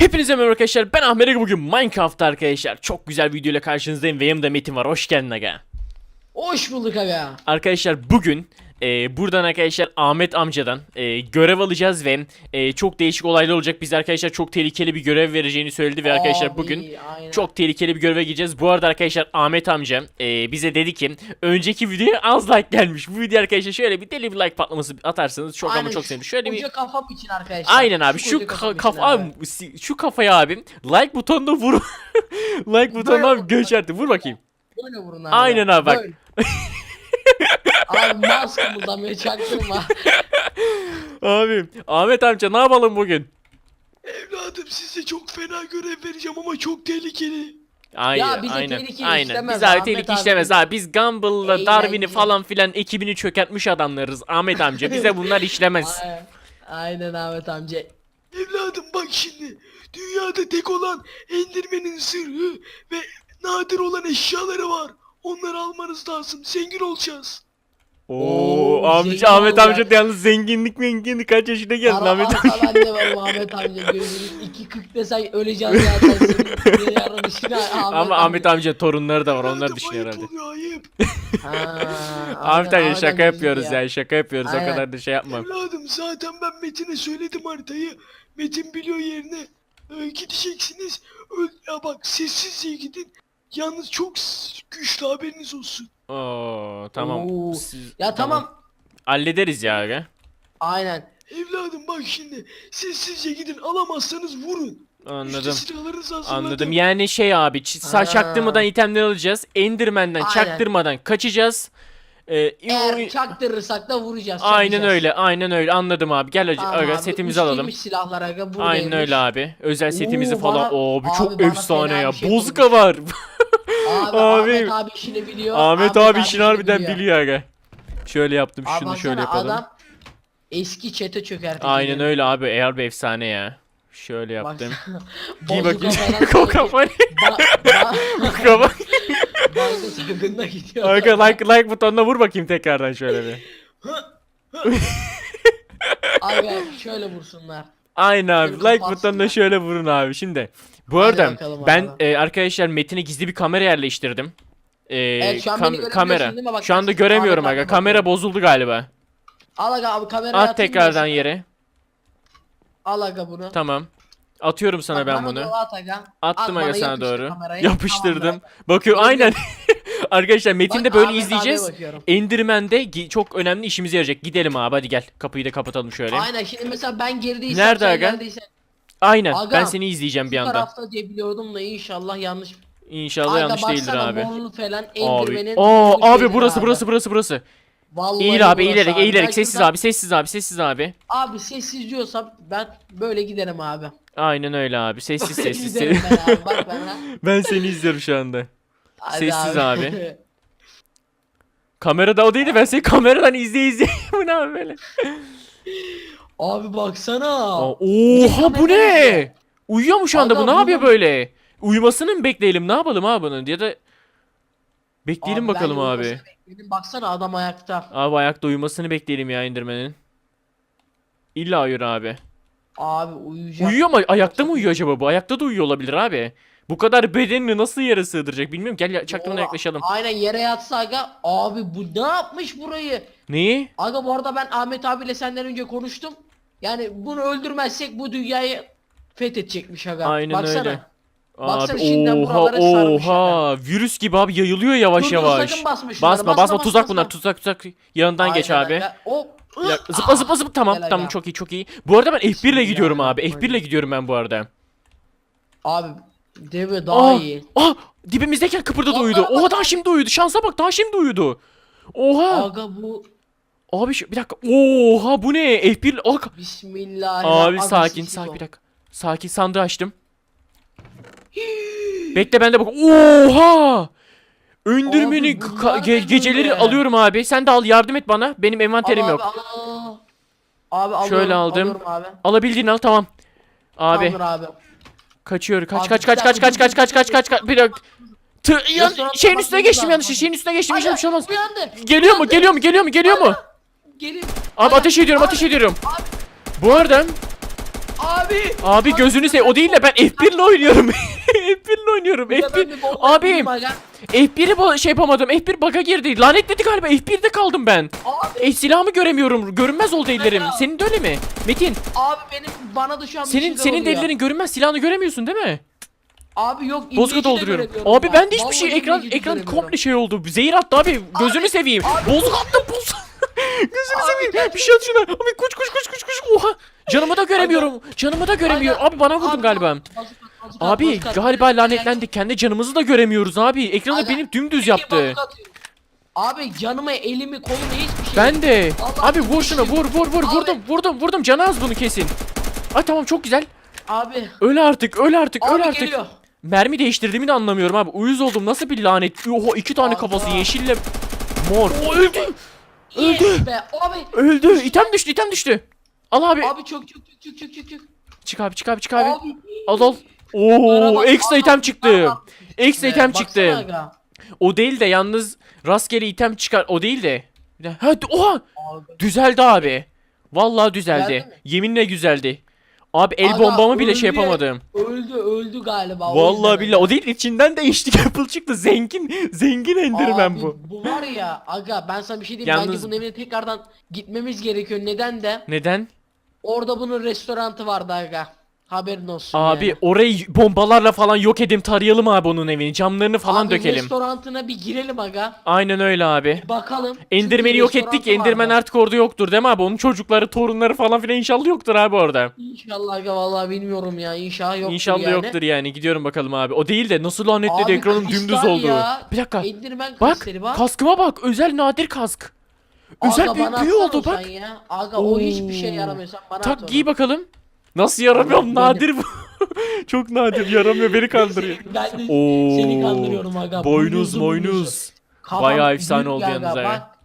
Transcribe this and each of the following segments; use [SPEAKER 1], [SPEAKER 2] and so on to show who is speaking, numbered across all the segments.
[SPEAKER 1] Hepinize merhaba arkadaşlar, ben Ahmet Aga. Bugün Minecraft'ta arkadaşlar çok güzel video ile karşınızdayım ve yanımda Metin var. Hoş geldin aga.
[SPEAKER 2] Hoş bulduk aga.
[SPEAKER 1] Arkadaşlar bugün buradan arkadaşlar Ahmet amcadan görev alacağız ve çok değişik olaylar olacak. Biz arkadaşlar çok tehlikeli bir görev vereceğini söyledi ve arkadaşlar
[SPEAKER 2] Abi,
[SPEAKER 1] bugün
[SPEAKER 2] aynen.
[SPEAKER 1] çok tehlikeli bir göreve gireceğiz. Bu arada arkadaşlar Ahmet amca bize dedi ki önceki videoya az like gelmiş. Bu video arkadaşlar şöyle bir deli bir like patlaması atarsanız çok ama çok sevinirim. Şöyle bir
[SPEAKER 2] koca kafam için arkadaşlar.
[SPEAKER 1] aynen abi şu
[SPEAKER 2] koca kafam için
[SPEAKER 1] kafa
[SPEAKER 2] abi.
[SPEAKER 1] abi, şu kafaya abi like butonuna vur. Like butonuna abi göçerdi. Vur bakayım.
[SPEAKER 2] Böyle vurun abi.
[SPEAKER 1] Aynen abi, bak.
[SPEAKER 2] Böyle. Abi mouse kımıldamıyor, çaktırma.
[SPEAKER 1] Abi Ahmet amca ne yapalım bugün?
[SPEAKER 3] Evladım size çok fena görev vereceğim ama çok tehlikeli.
[SPEAKER 1] Aynen,
[SPEAKER 2] Ya bize
[SPEAKER 1] aynen,
[SPEAKER 2] tehlike
[SPEAKER 1] aynen.
[SPEAKER 2] işlemez
[SPEAKER 1] Biz abi
[SPEAKER 2] Ahmet
[SPEAKER 1] tehlike
[SPEAKER 2] abi.
[SPEAKER 1] işlemez abi. Biz Gumball'la
[SPEAKER 2] Eğlenceli.
[SPEAKER 1] Darwin'i falan filan ekibini çökertmiş adamlarız. Ahmet amca bize bunlar işlemez.
[SPEAKER 2] Aynen Ahmet amca.
[SPEAKER 3] Evladım bak şimdi. Dünyada tek olan Enderman'in sırrı ve nadir olan eşyaları var. Onları almanız lazım. Zengin olacağız.
[SPEAKER 1] Oo amca,
[SPEAKER 2] zengin
[SPEAKER 1] Ahmet
[SPEAKER 2] olacak.
[SPEAKER 1] amca yalnız zenginlik kaç yaşına geldin Ahmet amca.
[SPEAKER 2] Ben de varım Ahmet amca. Gözünüz 2.40 desen öleceğiz zaten. Senin yarın işine
[SPEAKER 1] Ama Ahmet amca torunları da var, onlar
[SPEAKER 3] Evladım,
[SPEAKER 1] düşünüyor
[SPEAKER 3] ayıp
[SPEAKER 1] herhalde.
[SPEAKER 3] oluyor ayıp.
[SPEAKER 1] Ahmet amca şaka
[SPEAKER 2] amca
[SPEAKER 1] yapıyoruz
[SPEAKER 2] ya.
[SPEAKER 1] ya, şaka yapıyoruz, o
[SPEAKER 2] Aynen.
[SPEAKER 1] kadar da şey yapma.
[SPEAKER 3] Evladım zaten ben Metin'e söyledim haritayı. Metin biliyor yerini. Gideceksiniz. Ya bak sessizce gidin. Yalnız çok güçlü, haberiniz olsun.
[SPEAKER 1] Oo tamam.
[SPEAKER 2] Oo.
[SPEAKER 1] Siz-
[SPEAKER 2] Ya tamam.
[SPEAKER 1] Hallederiz ya aga.
[SPEAKER 2] Aynen.
[SPEAKER 3] Evladım bak şimdi. Sessizce gidin, alamazsanız vurun. İşte
[SPEAKER 1] Anladım.
[SPEAKER 3] silahlarınızı hazırladım.
[SPEAKER 1] Anladım. Yani şey abi, çaktırmadan itemler alacağız. Enderman'den
[SPEAKER 2] Aynen.
[SPEAKER 1] çaktırmadan kaçacağız.
[SPEAKER 2] Eğer çaktırırsak da vuracağız.
[SPEAKER 1] Aynen
[SPEAKER 2] çakacağız.
[SPEAKER 1] öyle, aynen öyle. Anladım abi. Gel
[SPEAKER 2] Tamam
[SPEAKER 1] aga,
[SPEAKER 2] abi,
[SPEAKER 1] setimizi alalım.
[SPEAKER 2] üçlüymüş silahlar aga, buradaymış.
[SPEAKER 1] Aynen öyle abi. Özel setimizi
[SPEAKER 2] Oo,
[SPEAKER 1] falan.
[SPEAKER 2] bana-
[SPEAKER 1] Oo, bu
[SPEAKER 2] abi
[SPEAKER 1] çok
[SPEAKER 2] bana
[SPEAKER 1] efsane
[SPEAKER 2] fena
[SPEAKER 1] ya.
[SPEAKER 2] bir şey
[SPEAKER 1] Bozka var.
[SPEAKER 2] Abi,
[SPEAKER 1] Abi.
[SPEAKER 2] Ahmet abi işini biliyor.
[SPEAKER 1] Ahmet abi işini harbiden
[SPEAKER 2] biliyor.
[SPEAKER 1] biliyor aga. Şöyle yaptım,
[SPEAKER 2] Abi
[SPEAKER 1] şunu şöyle
[SPEAKER 2] baksana,
[SPEAKER 1] yapalım.
[SPEAKER 2] adam eski çete çökertti.
[SPEAKER 1] Aynen öyle abi. Eğer bir efsane ya. Şöyle yaptım. Giy
[SPEAKER 2] Bozuk
[SPEAKER 1] bakayım.
[SPEAKER 2] kafadan
[SPEAKER 1] Kokaman. Kokaman.
[SPEAKER 2] Banka soygununa gidiyor.
[SPEAKER 1] Arka like butonuna vur bakayım tekrardan şöyle bir.
[SPEAKER 2] Abi şöyle vursunlar.
[SPEAKER 1] Aynen abi.
[SPEAKER 2] Şöyle
[SPEAKER 1] Like
[SPEAKER 2] kapatsınlar.
[SPEAKER 1] butonuna şöyle vurun abi. Şimdi bu
[SPEAKER 2] Hadi
[SPEAKER 1] arada
[SPEAKER 2] bakalım
[SPEAKER 1] ben
[SPEAKER 2] abi.
[SPEAKER 1] arkadaşlar Metin'e gizli bir kamera yerleştirdim.
[SPEAKER 2] Evet, şu an beni görebiliyorsun
[SPEAKER 1] Kamera.
[SPEAKER 2] değil mi? Bak,
[SPEAKER 1] Şu anda
[SPEAKER 2] ben
[SPEAKER 1] göremiyorum
[SPEAKER 2] Ahmet
[SPEAKER 1] aga.
[SPEAKER 2] abi
[SPEAKER 1] Kamera
[SPEAKER 2] bakıyorum.
[SPEAKER 1] bozuldu galiba.
[SPEAKER 2] Al aga abi kamerayı
[SPEAKER 1] At
[SPEAKER 2] atayım
[SPEAKER 1] tekrardan
[SPEAKER 2] ben sana.
[SPEAKER 1] yere.
[SPEAKER 2] Al aga bunu.
[SPEAKER 1] Tamam. Atıyorum sana
[SPEAKER 2] Bak,
[SPEAKER 1] ben
[SPEAKER 2] bana
[SPEAKER 1] bunu.
[SPEAKER 2] doğru at aga.
[SPEAKER 1] Attım
[SPEAKER 2] At,
[SPEAKER 1] aga
[SPEAKER 2] bana
[SPEAKER 1] sana
[SPEAKER 2] yapıştır
[SPEAKER 1] doğru.
[SPEAKER 2] kamerayı.
[SPEAKER 1] Yapıştırdım.
[SPEAKER 2] Tamamdır.
[SPEAKER 1] Bakıyor aynen. Arkadaşlar Metin de
[SPEAKER 2] Bak,
[SPEAKER 1] böyle
[SPEAKER 2] Ahmet
[SPEAKER 1] izleyeceğiz.
[SPEAKER 2] abiye bakıyorum.
[SPEAKER 1] Enderman'de çok önemli işimize yarayacak. Gidelim abi, hadi gel. Kapıyı da kapatalım şöyle.
[SPEAKER 2] Aynen, şimdi mesela ben gerideysem
[SPEAKER 1] Nerede
[SPEAKER 2] sen
[SPEAKER 1] aga?
[SPEAKER 2] neredeysen
[SPEAKER 1] Aynen.
[SPEAKER 2] Aga,
[SPEAKER 1] Ben seni izleyeceğim
[SPEAKER 2] şu
[SPEAKER 1] bir yandan.
[SPEAKER 2] tarafta diye biliyordum da inşallah yanlış.
[SPEAKER 1] İnşallah
[SPEAKER 2] Aga
[SPEAKER 1] yanlış değildir
[SPEAKER 2] baksana,
[SPEAKER 1] abi.
[SPEAKER 2] morlu falan
[SPEAKER 1] Abi.
[SPEAKER 2] Enderman'in
[SPEAKER 1] Aa
[SPEAKER 2] morlu
[SPEAKER 1] abi,
[SPEAKER 2] şeyleri
[SPEAKER 1] burası.
[SPEAKER 2] Vallahi
[SPEAKER 1] Eğil abi,
[SPEAKER 2] burası
[SPEAKER 1] eğilerek
[SPEAKER 2] abi.
[SPEAKER 1] eğilerek
[SPEAKER 2] Ben
[SPEAKER 1] sessiz
[SPEAKER 2] şuradan-
[SPEAKER 1] abi, sessiz abi.
[SPEAKER 2] Abi sessiz diyorsam ben böyle giderim abi.
[SPEAKER 1] Aynen öyle abi. Sessiz
[SPEAKER 2] Böyle
[SPEAKER 1] sessiz.
[SPEAKER 2] giderim ben abi, bak bana.
[SPEAKER 1] Ben seni izliyorum şu anda.
[SPEAKER 2] Hadi
[SPEAKER 1] Sessiz abi. Kamerada o değildi, ben seni kameradan izleye. Bu ne abi böyle?
[SPEAKER 2] Abi baksana.
[SPEAKER 1] Oha bu ne? Uyuyor mu şu anda
[SPEAKER 2] Aga,
[SPEAKER 1] bu? Ne yapıyor
[SPEAKER 2] bunu-
[SPEAKER 1] böyle? Uyumasını mı bekleyelim? Ne yapalım abi bunun? Ya da bekleyelim
[SPEAKER 2] Abi,
[SPEAKER 1] bakalım
[SPEAKER 2] ben
[SPEAKER 1] abi.
[SPEAKER 2] uyumasını bekledim. Baksana adam ayakta.
[SPEAKER 1] Abi ayakta uyumasını bekleyelim ya Enderman'in. İlla uyur abi.
[SPEAKER 2] Abi uyuyacak.
[SPEAKER 1] Uyuyor mu? Ayakta mı uyuyor acaba bu? Ayakta da uyuyor olabilir abi. Bu kadar bedenini nasıl yere sığdıracak bilmiyorum. Gel çaktırmadan
[SPEAKER 2] Oha,
[SPEAKER 1] yaklaşalım.
[SPEAKER 2] Aynen, yere yatsa aga. Abi bu ne yapmış burayı?
[SPEAKER 1] Neyi?
[SPEAKER 2] Aga bu arada ben Ahmet abiyle senden önce konuştum. Yani bunu öldürmezsek bu dünyayı fethedecekmiş aga.
[SPEAKER 1] Aynen
[SPEAKER 2] Baksana.
[SPEAKER 1] öyle.
[SPEAKER 2] Baksana,
[SPEAKER 1] Abi
[SPEAKER 2] şimdiden
[SPEAKER 1] oha
[SPEAKER 2] buralara sarmış
[SPEAKER 1] oha. Virüs gibi abi yayılıyor yavaş
[SPEAKER 2] Dur, dur,
[SPEAKER 1] yavaş.
[SPEAKER 2] sakın basma şunları,
[SPEAKER 1] Basma tuzak bunlar, tuzak. Yanından geç
[SPEAKER 2] Aynen
[SPEAKER 1] abi.
[SPEAKER 2] aga. Hop.
[SPEAKER 1] Bir dakika, zıpla tamam
[SPEAKER 2] Gel
[SPEAKER 1] tamam,
[SPEAKER 2] aga.
[SPEAKER 1] çok iyi. Bu arada ben F1 ile gidiyorum abi.
[SPEAKER 2] Bismillahirrahmanirrahim.
[SPEAKER 1] F1 ile gidiyorum ben bu arada.
[SPEAKER 2] Abi deve daha iyi.
[SPEAKER 1] Dibimizdeyken kıpırdadı,
[SPEAKER 2] Aa,
[SPEAKER 1] uyudu.
[SPEAKER 2] bak,
[SPEAKER 1] Oha,
[SPEAKER 2] bak.
[SPEAKER 1] daha şimdi uyudu. Şansa bak, daha şimdi uyudu. Oha.
[SPEAKER 2] Aga bu
[SPEAKER 1] Abi bir dakika. Oha bu ne? F1
[SPEAKER 2] Bismillahirrahmanirrahim.
[SPEAKER 1] Abi
[SPEAKER 2] Aga,
[SPEAKER 1] sakin
[SPEAKER 2] sessiz
[SPEAKER 1] sakin
[SPEAKER 2] ol.
[SPEAKER 1] bir dakika. Sakin, sandığı açtım. Bekle ben de bak. Oha! Öndürmeni
[SPEAKER 2] Abi bunlar ne
[SPEAKER 1] geceleri
[SPEAKER 2] böyle?
[SPEAKER 1] alıyorum abi. Sen de al, yardım et bana. Benim envanterim
[SPEAKER 2] Al
[SPEAKER 1] yok.
[SPEAKER 2] Abi, al. Abi alıyorum,
[SPEAKER 1] Şöyle aldım.
[SPEAKER 2] alıyorum abi.
[SPEAKER 1] Alabildiğini al, tamam. Abi
[SPEAKER 2] Tamamdır abi.
[SPEAKER 1] kaçıyor. Kaç
[SPEAKER 2] Abi,
[SPEAKER 1] kaç
[SPEAKER 2] bir
[SPEAKER 1] kaç
[SPEAKER 2] dakika,
[SPEAKER 1] kaç kaç kaç kaç kaç kaç. Bir dakika.
[SPEAKER 2] Restoranda
[SPEAKER 1] Şeyin
[SPEAKER 2] bakmamız
[SPEAKER 1] üstüne geçtim
[SPEAKER 2] lazım.
[SPEAKER 1] yanlış. Şeyin üstüne geçtim. Bir şey olmaz.
[SPEAKER 2] Uyandı.
[SPEAKER 1] Geliyor mu? Geliyor mu?
[SPEAKER 2] Gelin.
[SPEAKER 1] Abi ateş ediyorum. Bu arada Abi gözünü seveyim. O değil de ben F1 ile oynuyorum. F1 ile oynuyorum. F1. Abi F1'i şey yapamadım. F1 bug'a girdi. Lanetledi galiba. F1'de kaldım ben. Silahımı göremiyorum. Görünmez oldu ellerim. Senin de öyle mi? Metin.
[SPEAKER 2] Abi bana da şu an bir
[SPEAKER 1] Senin
[SPEAKER 2] şeyler oluyor.
[SPEAKER 1] ellerin görünmez. Silahını göremiyorsun değil mi?
[SPEAKER 2] Abi yok.
[SPEAKER 1] Bozkurt
[SPEAKER 2] İngilizce de
[SPEAKER 1] dolduruyorum.
[SPEAKER 2] göremiyorum
[SPEAKER 1] Abi ben de hiçbir
[SPEAKER 2] Vallahi
[SPEAKER 1] şey
[SPEAKER 2] İngilizce de
[SPEAKER 1] ekran
[SPEAKER 2] göremiyorum.
[SPEAKER 1] komple şey oldu. Zehir attı abi. Gözünü seveyim. Bozuk attım bozuk. Gözünü seveyim. Bir şey at şuna. Abi koş. Oha. Canımı da göremiyorum. Canımı da göremiyor. Abi bana vurdun galiba. Abi galiba lanetlendik. Kendi canımızı da göremiyoruz abi. Ekranı
[SPEAKER 2] Aga,
[SPEAKER 1] benim dümdüz yaptı.
[SPEAKER 2] Abi canımı, elimi, kolumu hiçbir şey.
[SPEAKER 1] Ben de.
[SPEAKER 2] Allah
[SPEAKER 1] Abi vur şuna vur. Vurdum. Canı az bunu kesin. Ay tamam çok güzel.
[SPEAKER 2] Abi.
[SPEAKER 1] Öl artık.
[SPEAKER 2] Abi geliyor.
[SPEAKER 1] Mermi değiştirdiğimi de anlamıyorum abi. Uyuz oldum. Nasıl bir lanet? Oha 2 tane
[SPEAKER 2] Aga.
[SPEAKER 1] kafası yeşille mor. O öldü.
[SPEAKER 2] Yes be abi.
[SPEAKER 1] Öldü. İtem düştü. Al abi.
[SPEAKER 2] Abi çok.
[SPEAKER 1] Çık abi.
[SPEAKER 2] Abi.
[SPEAKER 1] Al. Oo,
[SPEAKER 2] Bak,
[SPEAKER 1] ekstra item çıktı.
[SPEAKER 2] bak.
[SPEAKER 1] Ekstra item çıktı.
[SPEAKER 2] Baksana aga.
[SPEAKER 1] O değil de yalnız rastgele item çıkar. O değil de. Oha!
[SPEAKER 2] Abi.
[SPEAKER 1] Düzeldi abi. Vallahi düzeldi.
[SPEAKER 2] Düzeldi mi?
[SPEAKER 1] Yeminle güzeldi. Abi el
[SPEAKER 2] Aga,
[SPEAKER 1] bombamı bile
[SPEAKER 2] öldü
[SPEAKER 1] şey
[SPEAKER 2] ya.
[SPEAKER 1] yapamadım.
[SPEAKER 2] Öldü galiba. o
[SPEAKER 1] Vallahi
[SPEAKER 2] yüzden
[SPEAKER 1] billahi
[SPEAKER 2] öyle.
[SPEAKER 1] o değil içinden değişti Apple çıktı. Zengin Enderman
[SPEAKER 2] Abi,
[SPEAKER 1] bu.
[SPEAKER 2] Bu var ya aga ben sana bir şey diyeyim.
[SPEAKER 1] Yalnız-
[SPEAKER 2] Bence bunun evine tekrardan gitmemiz gerekiyor. Neden de?
[SPEAKER 1] Neden?
[SPEAKER 2] Orada bunun restorantı vardı aga. Haberin olsun
[SPEAKER 1] Abi
[SPEAKER 2] yani.
[SPEAKER 1] orayı bombalarla falan yok edelim, tarayalım abi onun evini. Camlarını falan
[SPEAKER 2] Abi,
[SPEAKER 1] dökelim.
[SPEAKER 2] restorantına bir girelim aga.
[SPEAKER 1] Aynen öyle abi.
[SPEAKER 2] Bakalım.
[SPEAKER 1] Enderman'i
[SPEAKER 2] Çünkü
[SPEAKER 1] yok ettik.
[SPEAKER 2] restorantı
[SPEAKER 1] Enderman
[SPEAKER 2] vardı.
[SPEAKER 1] artık orada yoktur değil mi abi? Onun çocukları, torunları falan filan inşallah yoktur abi orada.
[SPEAKER 2] İnşallah aga vallahi bilmiyorum ya. İnşallah yoktur
[SPEAKER 1] İnşallah
[SPEAKER 2] yani.
[SPEAKER 1] yoktur yani. Gidiyorum bakalım abi. O değil de nasıl lanetledi
[SPEAKER 2] Abi,
[SPEAKER 1] ekranım
[SPEAKER 2] kristal
[SPEAKER 1] dümdüz oldu.
[SPEAKER 2] ya.
[SPEAKER 1] Bir dakika.
[SPEAKER 2] Enderman
[SPEAKER 1] Bak
[SPEAKER 2] kristali bak.
[SPEAKER 1] kaskıma bak. Özel nadir kask. Özel
[SPEAKER 2] Aga,
[SPEAKER 1] büyük
[SPEAKER 2] bana
[SPEAKER 1] büyü
[SPEAKER 2] atsana
[SPEAKER 1] oldu
[SPEAKER 2] o
[SPEAKER 1] bak.
[SPEAKER 2] sen ya. Aga o hiçbir şey yaramıyor sen bana at
[SPEAKER 1] Tak
[SPEAKER 2] onu.
[SPEAKER 1] giy bakalım. Nasıl yaramıyorum?
[SPEAKER 2] Benim-
[SPEAKER 1] Nadir bu. Çok nadir yaramıyor, beni kandırıyor.
[SPEAKER 2] Ben de
[SPEAKER 1] Oo,
[SPEAKER 2] seni kandırıyorum aga.
[SPEAKER 1] Boynuz
[SPEAKER 2] Boynuzlu,
[SPEAKER 1] moynuz.
[SPEAKER 2] Kafam
[SPEAKER 1] Bayağı efsane
[SPEAKER 2] büyük
[SPEAKER 1] oldu
[SPEAKER 2] aga,
[SPEAKER 1] yalnız ha.
[SPEAKER 2] Bak,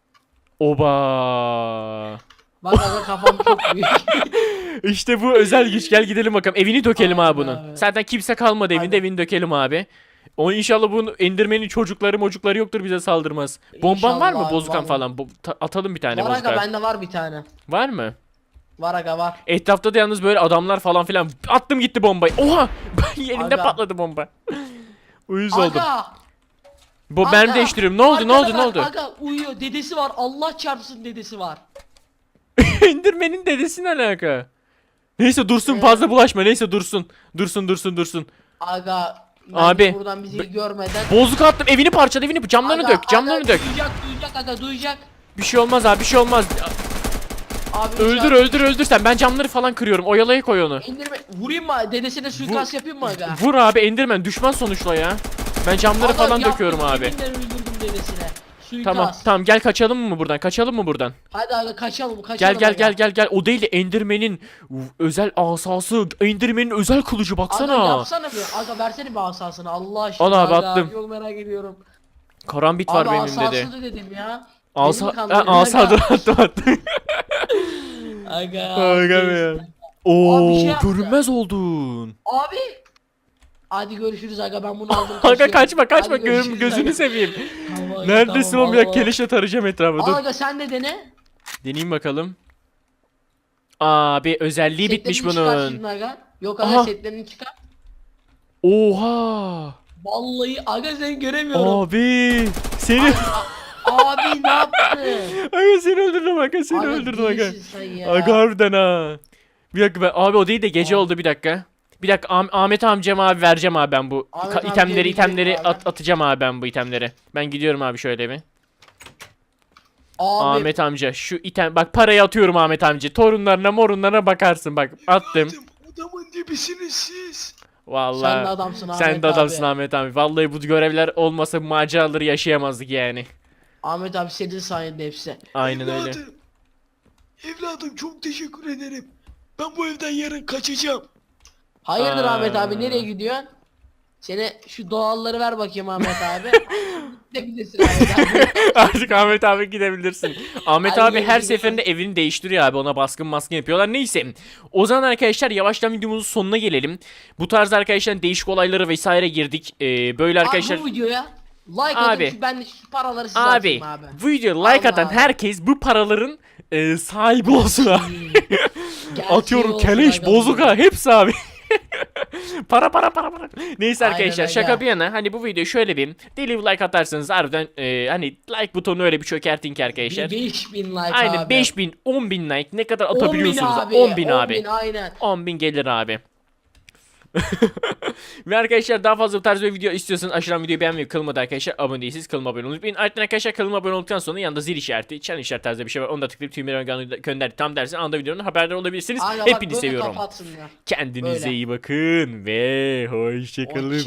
[SPEAKER 1] Oba.
[SPEAKER 2] bak aga kafam çok büyük.
[SPEAKER 1] İşte bu özel güç. Gel gidelim bakalım. Evini dökelim abi bunun.
[SPEAKER 2] Abi.
[SPEAKER 1] Zaten kimse kalmadı evinde.
[SPEAKER 2] Aynen.
[SPEAKER 1] Evini dökelim abi. O inşallah bunun Enderman'in çocukları yoktur, bize saldırmaz. Bomban var mı?
[SPEAKER 2] İnşallah,
[SPEAKER 1] Bozkan
[SPEAKER 2] vallahi.
[SPEAKER 1] falan. Atalım bir tane
[SPEAKER 2] Var aga
[SPEAKER 1] bozkan.
[SPEAKER 2] bende var bir tane.
[SPEAKER 1] Var mı?
[SPEAKER 2] Var aga var.
[SPEAKER 1] Etrafta da yalnız böyle adamlar falan filan. Attım gitti bombayı. Oha! Yerinde
[SPEAKER 2] Aga.
[SPEAKER 1] patladı bomba. Uyuz oldum.
[SPEAKER 2] Aga.
[SPEAKER 1] Ben
[SPEAKER 2] aga.
[SPEAKER 1] değiştiriyorum. Ne oldu?
[SPEAKER 2] Arkada
[SPEAKER 1] Ne
[SPEAKER 2] bak,
[SPEAKER 1] oldu?
[SPEAKER 2] Aga uyuyor. Dedesi var. Allah çarpsın dedesi var.
[SPEAKER 1] Enderman'in dedesi ne alaka? Neyse dursun, fazla bulaşma. Neyse dursun. Dursun.
[SPEAKER 2] Aga.
[SPEAKER 1] Abi,
[SPEAKER 2] Abi. Buradan bizi görmeden.
[SPEAKER 1] Bozuk attım. Evini parçaladı. Camlarını
[SPEAKER 2] Aga,
[SPEAKER 1] dök. Camlarını
[SPEAKER 2] aga,
[SPEAKER 1] dök.
[SPEAKER 2] Duyacak aga duyacak.
[SPEAKER 1] Bir şey olmaz abi. Bir şey olmaz.
[SPEAKER 2] Abi
[SPEAKER 1] Öldür sen. Ben camları falan kırıyorum. Oyalaya koy onu.
[SPEAKER 2] İndirme. Vurayım mı? Dedesine suikast yapayım mı aga?
[SPEAKER 1] Vur abi, Enderman düşman sonuçta ya. Ben camları
[SPEAKER 2] Aga,
[SPEAKER 1] falan
[SPEAKER 2] yaptım,
[SPEAKER 1] döküyorum abi.
[SPEAKER 2] yeminle öldürdüm dedesine. Suikast.
[SPEAKER 1] Tamam gel kaçalım mı buradan? Kaçalım mı buradan?
[SPEAKER 2] Hadi aga kaçalım
[SPEAKER 1] Gel. O değil de Enderman'in özel asası, Enderman'in özel kılıcı baksana.
[SPEAKER 2] Aga yapsana bir. Aga versene bir asasını Allah aşkına.
[SPEAKER 1] Al abi,
[SPEAKER 2] aga.
[SPEAKER 1] attım.
[SPEAKER 2] Çok merak ediyorum.
[SPEAKER 1] Karambit var
[SPEAKER 2] Abi
[SPEAKER 1] benim
[SPEAKER 2] asası
[SPEAKER 1] dedi.
[SPEAKER 2] da dedim ya.
[SPEAKER 1] Asa dur attım.
[SPEAKER 2] Aga.
[SPEAKER 1] Aga be ya.
[SPEAKER 2] Abi
[SPEAKER 1] Oo,
[SPEAKER 2] bir şey yaptı.
[SPEAKER 1] görünmez oldun.
[SPEAKER 2] Abi. Hadi görüşürüz aga ben bunu aldım.
[SPEAKER 1] Aga
[SPEAKER 2] kaçıyorum.
[SPEAKER 1] kaçma
[SPEAKER 2] Hadi görüşürüz
[SPEAKER 1] gözünü
[SPEAKER 2] aga.
[SPEAKER 1] seveyim.
[SPEAKER 2] Tamam aga,
[SPEAKER 1] Neredesin
[SPEAKER 2] tamam,
[SPEAKER 1] oğlum ya,
[SPEAKER 2] Allah.
[SPEAKER 1] keleşle tarayacağım etrafı. Dur.
[SPEAKER 2] Aga sen de dene.
[SPEAKER 1] Deneyeyim bakalım. Abi özelliği bitmiş
[SPEAKER 2] Setlerini çıkar
[SPEAKER 1] bunun.
[SPEAKER 2] şimdi aga. Yok aga
[SPEAKER 1] Aha.
[SPEAKER 2] setlerini çıkar.
[SPEAKER 1] Oha.
[SPEAKER 2] Vallahi aga seni göremiyorum.
[SPEAKER 1] Abi seni
[SPEAKER 2] Abi ne yaptın?
[SPEAKER 1] aga seni öldürdüm aga, seni
[SPEAKER 2] Aga,
[SPEAKER 1] öldürdüm aga.
[SPEAKER 2] delisin sen ya.
[SPEAKER 1] Aga harbiden ha. Bir dakika abi o değil de gece oldu, bir dakika. Bir dakika Ahmet amcama abi vereceğim abi ben bu
[SPEAKER 2] Ahmet amcaya
[SPEAKER 1] itemleri
[SPEAKER 2] gidelim abi.
[SPEAKER 1] atacağım abi ben bu itemleri. Ben gidiyorum abi şöyle bir.
[SPEAKER 2] Abi
[SPEAKER 1] Ahmet amca şu item bak, parayı atıyorum Ahmet amca. Torunlarına morunlarına bakarsın bak, attım.
[SPEAKER 3] Adamın dibisiniz siz.
[SPEAKER 1] Vallahi.
[SPEAKER 2] sen de adamsın Ahmet
[SPEAKER 1] Sen de adamsın
[SPEAKER 2] abi.
[SPEAKER 1] Ahmet abi. Vallahi bu görevler olmasa bu maceraları yaşayamazdık yani.
[SPEAKER 2] Ahmet abi senin sayende hepsi.
[SPEAKER 1] Aynen öyle.
[SPEAKER 3] Evladım çok teşekkür ederim. Ben bu evden yarın kaçacağım.
[SPEAKER 2] Hayırdır
[SPEAKER 1] Aa.
[SPEAKER 2] Ahmet abi nereye gidiyorsun? Sene şu doğalları ver bakayım Ahmet abi. Gidebilirsin Ahmet abi.
[SPEAKER 1] Artık Ahmet abi gidebilirsin. Ahmet
[SPEAKER 2] Ay,
[SPEAKER 1] abi her
[SPEAKER 2] gidelim.
[SPEAKER 1] seferinde evini değiştiriyor abi. Ona baskın yapıyorlar. Neyse. O zaman arkadaşlar yavaştan videomuzun sonuna gelelim. Bu tarz arkadaşlar değişik olaylara vesaire girdik. Böyle arkadaşlar.
[SPEAKER 2] Abi bu videoya like
[SPEAKER 1] Abi.
[SPEAKER 2] atın ki ben de şu paraları size
[SPEAKER 1] Abi
[SPEAKER 2] atayım abi.
[SPEAKER 1] bu videoya like atan
[SPEAKER 2] Allah.
[SPEAKER 1] herkes bu paraların sahibi olsun abi.
[SPEAKER 2] Gerçeği
[SPEAKER 1] Atıyorum
[SPEAKER 2] olsun
[SPEAKER 1] keleş,
[SPEAKER 2] aga.
[SPEAKER 1] bozuka hepsi abi. para. Neyse
[SPEAKER 2] Aynen
[SPEAKER 1] arkadaşlar
[SPEAKER 2] öyle.
[SPEAKER 1] şaka bir yana hani bu videoyu şöyle bir deli bir like atarsanız harbiden hani like butonu öyle bir çökertin ki arkadaşlar.
[SPEAKER 2] 5000 like
[SPEAKER 1] Aynen
[SPEAKER 2] abi.
[SPEAKER 1] 5000 10.000 like ne kadar
[SPEAKER 2] 10.000
[SPEAKER 1] atabiliyorsunuz?
[SPEAKER 2] abi.
[SPEAKER 1] 10.000 abi.
[SPEAKER 2] 10.000 aynen.
[SPEAKER 1] 10.000 gelir abi. Ve arkadaşlar daha fazla bu tarz bir video istiyorsanız aşağıdan videoyu beğenmeyi, kanalıma arkadaşlar abone değilseniz kanalıma abone olmayı unutmayın. Ardından arkadaşlar kanalıma abone olduktan sonra yanında zil işareti, çan işareti tarzı bir şey var. Onu da tıklayıp tüm gönder tam dersin anda videonun haberdar olabilirsiniz.
[SPEAKER 2] Aynen bak,
[SPEAKER 1] Hepinizi
[SPEAKER 2] böyle
[SPEAKER 1] seviyorum.
[SPEAKER 2] kapatsın ya.
[SPEAKER 1] Kendinize
[SPEAKER 2] Böyle.
[SPEAKER 1] iyi bakın ve hoşçakalın.